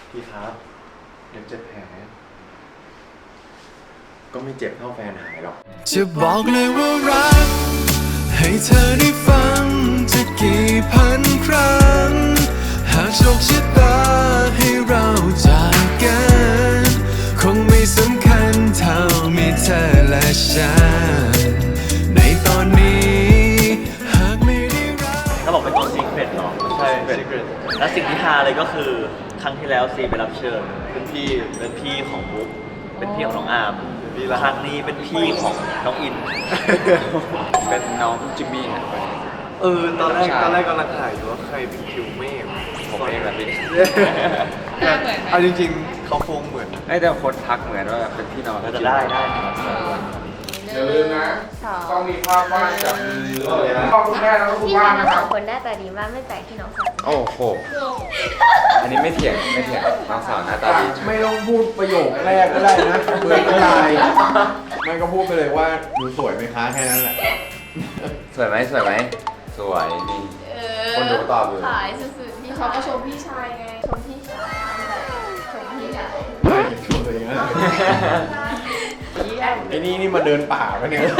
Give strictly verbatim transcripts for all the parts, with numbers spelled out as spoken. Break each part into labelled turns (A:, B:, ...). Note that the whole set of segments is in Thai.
A: พี่ครับเดี๋ยวเจ็บแผลก็ไม่เจ็บเท่าแฟนหายหรอก
B: จะบอกเลยว่ารักให้เธอได้ฟังจะกี่พันครั้งหากโชคชะตาให้เราจากกันคงไม่สำคัญเท่ามีเธอและฉันในตอนนี้หากไม่ได้รัก
C: เขาบอกเป็นตัวซีเครตเนาะ
A: ใช่ซีเครต
C: และสิ่งที่ฮาเลยก็คือครั้งที่แล้วซีไปรับเชิญเป็นพี่เป็นพี่ของบุ๊กเป็นพี่ของน้องอาร์มครั้งนี้เป็นพี่ของน้องอิน
A: เป็นน้องจิมมี่ฮะเออตอนแรกตอนแรกกำลังถ่ายอยู่ว่าใครเป็นคิวเมฆผมเองแบบนี้เอาจริงๆเขาคงเหมือนไอ้แต่คนทักเหมือนว่าเป็นพี่น้อง
C: จะได้ได้
D: อย่าลืมนะต้องมีภาพวาดจากมือเลยนะพ่อคุณแม่แล้วก็คุณบ้านนะครับ
E: คนหน้าตาดีมากไม่แปลกที่น้องสาว
A: โอ้โหอันนี้ไม่เถียงไม่เถียงน้องสาวหน้าตาดี
F: ไม่ต้องพูดประโยคแรกก็ได้นะเบื่อก็ได้ไม่ก็พูดไปเลยว่าดูสวยไหมคะแค่นั้นแหละ
A: สวยไหมสวยไหมสวยดีคนดูตอบอยู่
E: ขายสุดๆพี่เขาก็ชมพี่ชายไงชมพี่ชายชมพี่ชาย
F: ไม่ชมตัวเองนะไอ้นี่นี่มาเดินป่าปะเนี่ย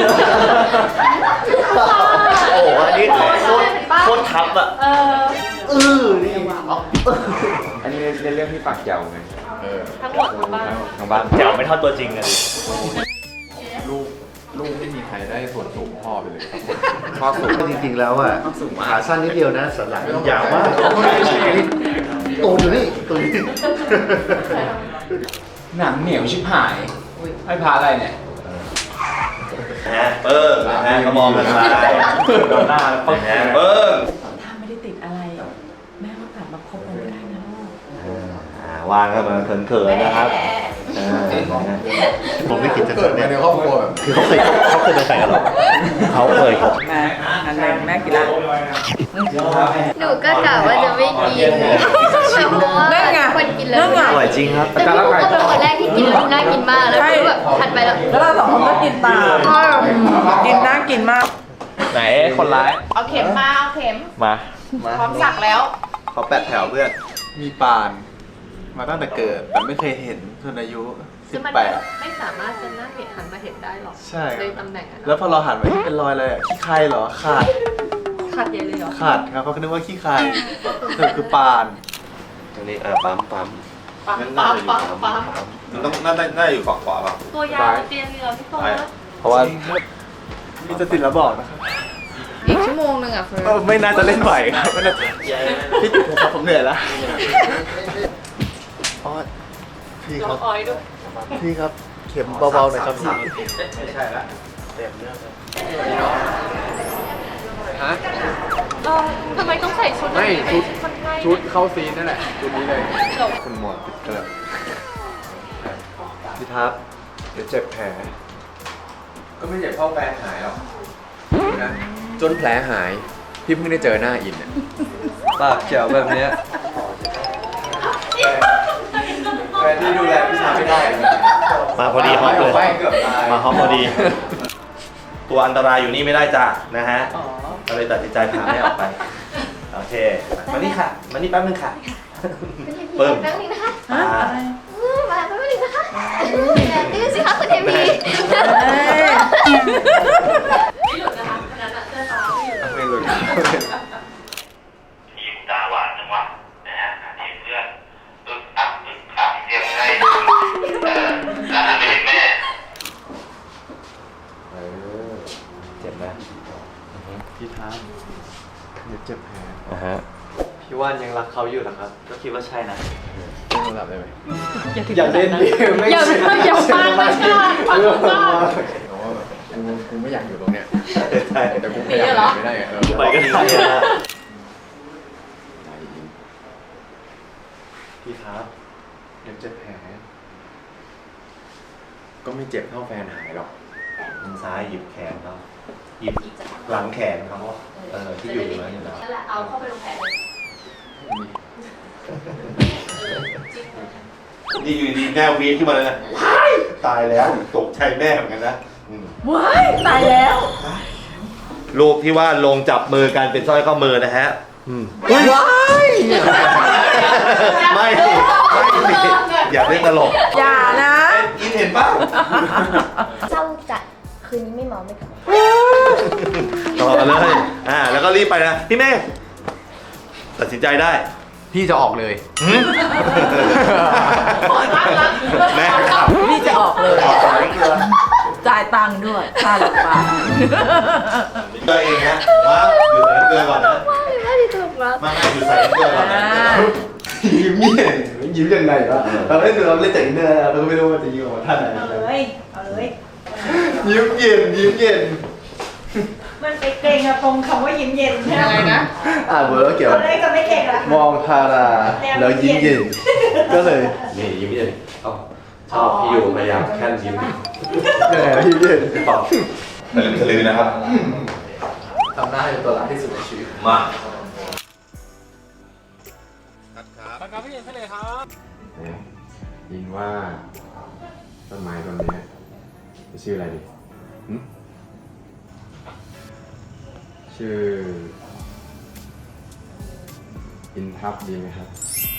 C: โอ้โหอันนี้โคตรโคตรทับอ่ะเออเออนี่
A: อันนี้เล่นเรื่องที่ปากเจ๋วไง
E: ทั้งหมดทั้งบ้าน
A: ทั้งบ้าน
C: เจ๋วไม่เท่าตัวจริงเลย
F: ลูกลูกไม่มีใครได้ส่วนสูงพ่อไปเลย
A: พ่อสูง
G: จริงๆแล้วอ่ะขาสั้นนิดเดียวนะสันหลังยาวมากตูนอยู่นี่ตูนนี่
A: หนังเหนียวชิบหายให้พาอะไรเนี่ย
C: นะเปิ้งนะก็มองกันไปโดนหน้าแล้วเปิ้ง
H: ถ้าไม่ได้ติดอะไรแม่ก็กลับมาคบกันได้นะลูก
C: วางกันมาเขินๆนะครับ
G: ผมไม่คิดจะเกิด
F: ในครอบครัวแบบ
G: คือเขาเคยเขาเคยเป็นแฟนกันหรอเขาเคยครับ
H: แม่นั่นเองแม่กินละ
E: หนูก็กะว่าจะไม่กินเพราะว่าคนกินแล้ว
C: อร่อยจริงครับ
E: แต่พี่บุ๊กก็เป็นคนแรกที่กินแล้วน่ากินมากแล้วพี่แบบถัดไปแล้ว
H: แล้วเราสองคนก็กินตามกินน่ากินมาก
C: ไหนคนร้าย
E: เอาเข็มมาเอาเข็ม
C: มา
E: พร้อมสักแล้ว
A: ขอแปดแถวเพื่อน
F: มีปานมาตั้งแต่เกิดแต่ไม่เคยเห็นจนอายุสิบแปด
E: ไม่สามารถจะนั่งเห็นหันมาเห็นได้หรอก
F: ใช่
E: ในตำแหน่งนั้น
F: แล้วพอเราหันไปเป็นรอยอะไรขี้ใครเหรอขาด
E: ขาดใหญ่เลยเหรอ
F: ขาดครับเขาคิดว่าขี้ใครเธอคือปาน
C: ตรงนี้เออปั๊มปั๊ม
E: ปั๊มปั๊มปั๊มปั๊ม
A: มันต้องน่าน่าอยู่ฝั่งขวาป่ะ
E: ตัวยาวเตียงเรือพี่โต้
A: เพราะว่า
F: มีจะติดแล้วบอกนะครับ
E: อีกชั่วโมงนึงอ่ะเฟิร์น
F: ไม่น่าจะเล่นไหวครับไม่น่าพี่จุ๊บครับผมเหนื่อยแล้วอ๋อพี่ครับพี่ครับเข็มเบาๆหน่อยครับพี่
A: ไม่ใช่ละเต็มเรื่องเลย
F: ฮะ
E: ทำไมต้องใส่ชุด
F: ไม่ชุดชุดเข้าซีนนั่นแหละชุดนี้เลยคุณหมอติดกระ
A: พี่ทับเดี๋ยวเจ็บแผลก็ไม่เจ็บเท่าแฟนหายหรอกนะจนแผลหายพี่เพิ่งได้เจอหน้าอินเนี่ยปากเจ๋วแบบเนี้ยแฟนที่ดูแลพี่ชายไม่ได้
C: มาพอดีฮอปเลยมาฮอปพอดีตัวอันตรายอยู่นี่ไม่ได้จ้ะนะฮะก็เลยตัดสินใจพาแม่ออกไปโอเคมานี่ค่ะมานี่แป๊บนึงค่ะ
E: เปิ่มแป๊บนึงนะคะมาแป๊บนึงนะคะดื้อสิคะคุณเอมี่ไม่หลุดนะคะขนาดนั้นเสื้อฟ้าไม่หลุด
A: ไม่หลุด
I: ยิ้มตาหวานจังวะนะฮะทีมเพื่อนตึ๊กอักตึ๊กอักเรียกให้เออแล้วหันไปเห็นแม่
A: เออเจ็บไหม
F: พี่ท้าเดี๋ยวเจ็บแผล
A: อ่าฮะพี่ว่านยังรักเขาอยู่นะครับ
C: ก็คิดว่าใช่นะ
F: เล่นโทรศัพท์ได้ไหม
E: อย่าเล่นดิอย่าอย่าฟังมันก่อนฟังก่อน
F: กูกูไม่อยากอยู่ตรงเนี้ย
A: ใช่
F: แต่กูพยายามไม่ได้เออ
C: ไปก็ได้นะ
A: พี่ครับเดี๋ยวเจ็บแผลก็ไม่เจ็บเท่าแฟนหายหรอก
C: มือซ้ายหยิบแขนเขาหยิบหลังแขนเขาเออที่อยู่นั่นอยู่แล้ว
E: นั่นแหละเอาเข้าไปลงแผลเลย
C: นี่อยู่ดีแม่วีดขึ้นมาเลยนะตายแล้วตกใจแม่เหมือนกันนะ
H: ว้ายตายแล้ว
C: รูปที่ว่าลงจับมือกันเป็นสร้อยข้อมือนะฮะ
H: ว้าย
C: ไม่ไม่อยากเล่นตลก
H: อย่านะ
C: อินเห็นป่ะ
E: เศร้าจัดคืนนี้ไม่เมาไม่กลับ
C: ต่อกันเลย อ่า แล้วก็รีบไปนะ พี่เมฆตัดสินใจได้
F: พี่จะออกเลย
C: แม่ครับ
H: พี่จะออกเลยจ่ายตังค์ด้วยค่าหลับปาก
C: ตัวเองนะมาอยู่ใส่น้ำเกลือก่อนนะ
E: ว้าวไม่ได้ถูกแล้ว
C: มามาอยู่ใส่น้ำเกลือก่อนนะ
A: ยิ้มเย็นยิ้มยังไงวะเราเล่นเราเล่นจากอินเนอร์เราก็ไม่รู้ว่าจะยิ้มออกมาท่าไหน
H: เอาเลย เอาเลย
A: ยิ้มเย็นยิ้มเย็น
H: มันไปเกรงอะตรงคำว่ายิ้มเย็นใช่ไหมนะ
A: อ่านเบอร์เกี่ยว
H: ตอนแรกจะไม่เกรงละ
A: มองทาราแล้วยิ้มเย็นก็เลย
C: นี่ยิ้มเย็นชอบพี่อยู่พยายามแค่ยิ้ม
A: แหมยิ้มเย็น
C: ตอบทะลึ่งทะลือนะครับ
A: ทำหน้าให้เป็นตัวร้ายที่สุดในชีวิต
C: มา
F: ยินว่าต้นไม้ต้นนี้จะชื่ออะไรดีหึชื่ออินทับดีไหมครับ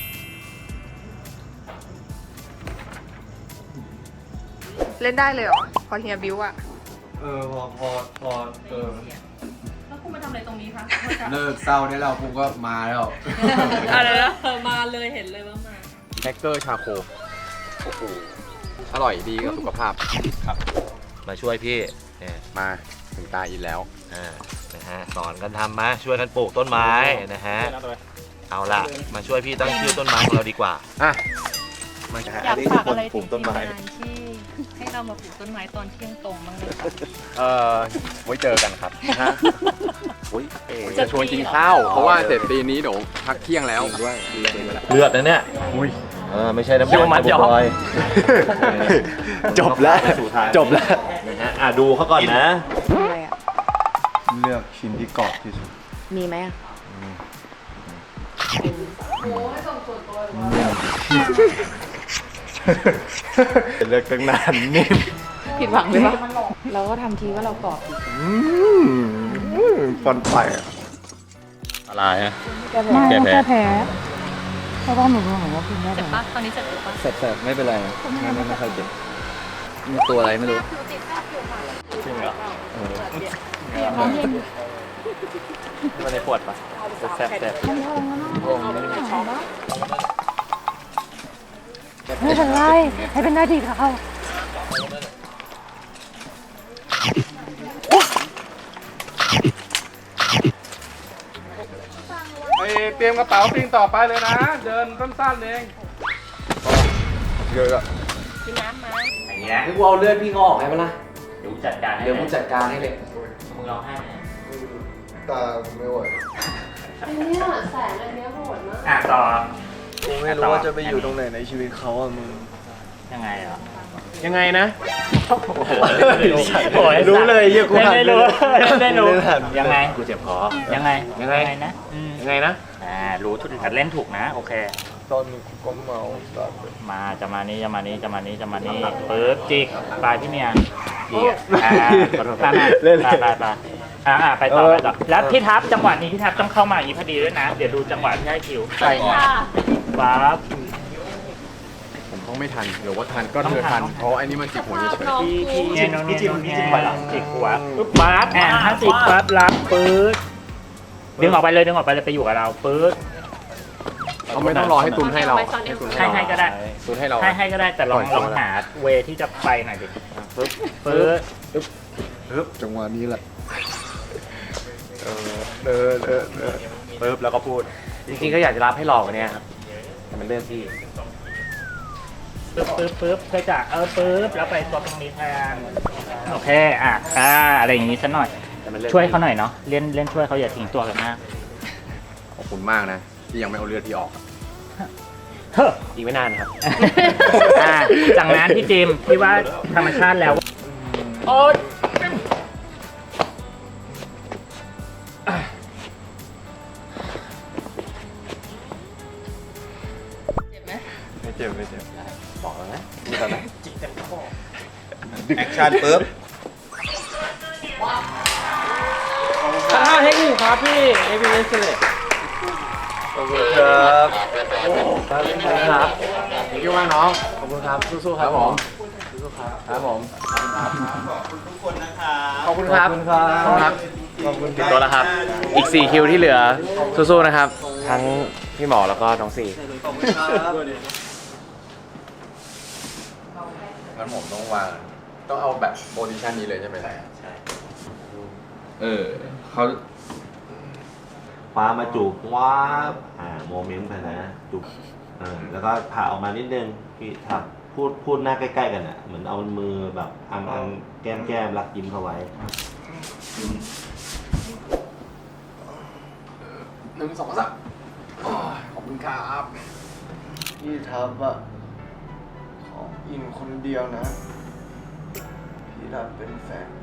J: เล่นได้เลยเหรอ พอเฮียบิวอะ
A: เออพอพอพอเออ
H: แล้วคุณมาทำอะไรตรงนี้คะ
F: เลิกเศร้าได้แล้วกูก็มาแล้ว
H: อะไรนะมาเลยเห็นเลยว่ามา
F: แฮกเกอร์ชาโคโอ้โหอร่อยดีกับสุขภาพ
C: ครับ มาช่วยพี่เนี่ย
F: มาถึงตาอินแล้ว
C: อ่า นะฮะ สอนกันทำมา ช่วยกันปลูกต้นไม้นะฮะ เอาละมาช่วยพี่ตั้งชื่อต้นไม้ของเราดีกว่า
F: อ่ะ
C: มา
H: อยากฝากอะไรถึงทีมงานที่ให้เรามาปลูกต้นไม้ตอนเที่ยงตรงบ้างเลยค่ะ
F: เออไว้เจอกันครับ
C: ฮะอุ้ยเอ๋
F: จะชวนกินข้าว เพราะว่าเสร็จตีนี้เดี๋ยวพักเที่ยงแล้วด้วย
C: เลือดนะเนี่ยอุ้ยเออไม่ใช่น้ำมัน
F: ยอม
C: บอย
A: จบแล้วจบแล้ว
C: นะฮะอ่ะดูเขาก่อนนะ
J: อะไรอะ
A: เลือกชิ้นที่กรอบที่สุด
J: มีไหมอะ
A: เลือกตั้งนานนิ่ม
J: ผิดหวังไหมวะเราก็ทำทีว่าเรากรอบอีก
A: ฟันไปอ่ะ
C: อะไรฮะ
J: แก้แพ้
C: แก้แพ้
J: แพ้เพราะว่าหนูรู้ว่าคุณแก้
H: เจ็บ
J: แพ้
H: ปะตอนนี้เจ็บปะ
A: เสร็จเสร็จไม่เป็นไรไม่ไม่ไม่ค่อยเจ็บมีตัวอะไรไม่รู้จริงเหรอมันในปวดปะแสบแสบ
J: ไม่เป็นไรให้เป็นหน้าที่เขา
D: ไปเตรียมกระเป๋าปิงต่อไปเลยนะ เดินสั้นๆเอง
A: เยอะอะ
H: กินน้ำมา
G: อย่างเงี้ย
A: กูเอาเลือดพี่เขาออกให้ปะล่ะ
G: เดี๋ยวจัดการให้
A: เดี๋ยวกูจัดการให้เลย
G: มึงร้องไห้ไหม
A: ตาไม่ไหว
E: อันนี้แสงอันนี้โหดมาก
G: อ่ะต่อ
A: กูไม่รู้ว่าจะไปอยู่ตรงไหนในชีวิตเขาอ่ะมึง
G: ยังไงเหรอ
F: ยังไงนะ
A: รู้เลยเยี่ยกูหัน
G: ไม่รู้ไม่รู้
A: ไม่ทัน
G: ยังไงกูเจ็บคอยังไง
F: ยังไง
G: นะอืม
F: ยังไงนะ
G: อ่ารู้ทุกเล่นถูกนะโอเค
A: ตอนกูก็เมาตอน
G: มาจะมานี้จะมานี้จะมานี้จะมานี้ปึ๊บจิกปลายพี่เมียจิกอ่าขอโทษนะไปไปไปอ่าอ่าไปต่อไปต่อแล้วพี่ทับจังหวะนี้พี่ทับต้องเข้ามาอีกพอดีด้วยนะ เดี๋ยวดูจังหวะที่ให้คิวใช่ปั๊บ
F: ผมต้องไม่ทันหรือว่าทันก็เธอทัน เพราะอันนี้มันจิกหัวเฉย
G: พี่พี่เนี่ยโน่นนี่โน่นนี่จิกหัวปึ๊บปั๊บอ่าถ้าจิกปั๊บรับปึ๊บดึงออกไปเลยดึงออกไปเลยไปอยู่กับเราปึ๊บ
F: ๆเขาไม่ต้องรอให้ตุนให้เราให้ตุนให้
G: ให้
F: เรา
G: ให้ก็ได้
F: ตุนให้เรา
G: ให้ให้ก็ได้แต่ลอง
F: ปล่อย
G: ลอง
F: ตัว
G: หาเวที่จะไปหน่อยดิปึ๊บปึ๊บ
A: ฮึบจังหวะนี้แหละเออเออเออเออ
G: ปึ๊บแล้วก็พูด
F: จริงๆก็อยากจะรับให้หลอกเนี่ยครับแต่มันเรื่องที่
G: ปึ๊บปึ๊บปึ๊บเพื่อจะเออปึ๊บแล้วไปตัวตรงนี้แทนโอเคอ่ะอ่าอะไรอย่างงี้สักหน่อยช่วยเขาหน่อยเนาะเล่นเล่นช่วยเขาอย่าทิ้งตัวกันมาก
F: ขอบคุณมากนะ ที่ยังไม่เอาเลือดพี่ออก
G: เฮ้อ
F: อีกไม่นานครับ
G: อ่าจากนั้นพี่จิมพี่ว่าธรรมชาติแล้วโอ๊ย
A: ไม่เจ็บไม่เจ็บ
F: บอกแล้วนะ
A: มีตอนไหน
C: แอคชั่นปึ๊บ
F: ห้าเทคนิคครับพี่ เอวีเอสเลย
A: ขอบคุณครับ
F: ครับ
G: น
F: เกี่ยวมากน้อง ขอบคุณครับ สู้ๆครับผมสู้ๆครับครับผม
A: ขอบคุณครับ ขอบคุณครับขอบคุณติดตัวแล้วครับ อีกสี่คิวที่เหลือสู้ๆนะครับ ทั้งพี่หมอแล้วก็น้องสี่ขอบคุณครับงั้นผมต้องวาง ต้องเอาแบบโพซิชันนี้เลยใช่ไหมใช่ใช่เออเขา
C: ฟ้ามาจูบว้าบอ่าโมเมนต์ไปนะจูบเออแล้วก็ผ่าออกมานิดนึงพี่ทับพูดพูดหน้าใกล้ๆกันอ่ะเหมือนเอามือแบบอังอังแก้มแก้มรักยิ้มเข้าไว้
A: หนึ่งสองสามขอบคุณครับพี่ทับอะขออินคนเดียวนะ พี่ทับเป็นแฟน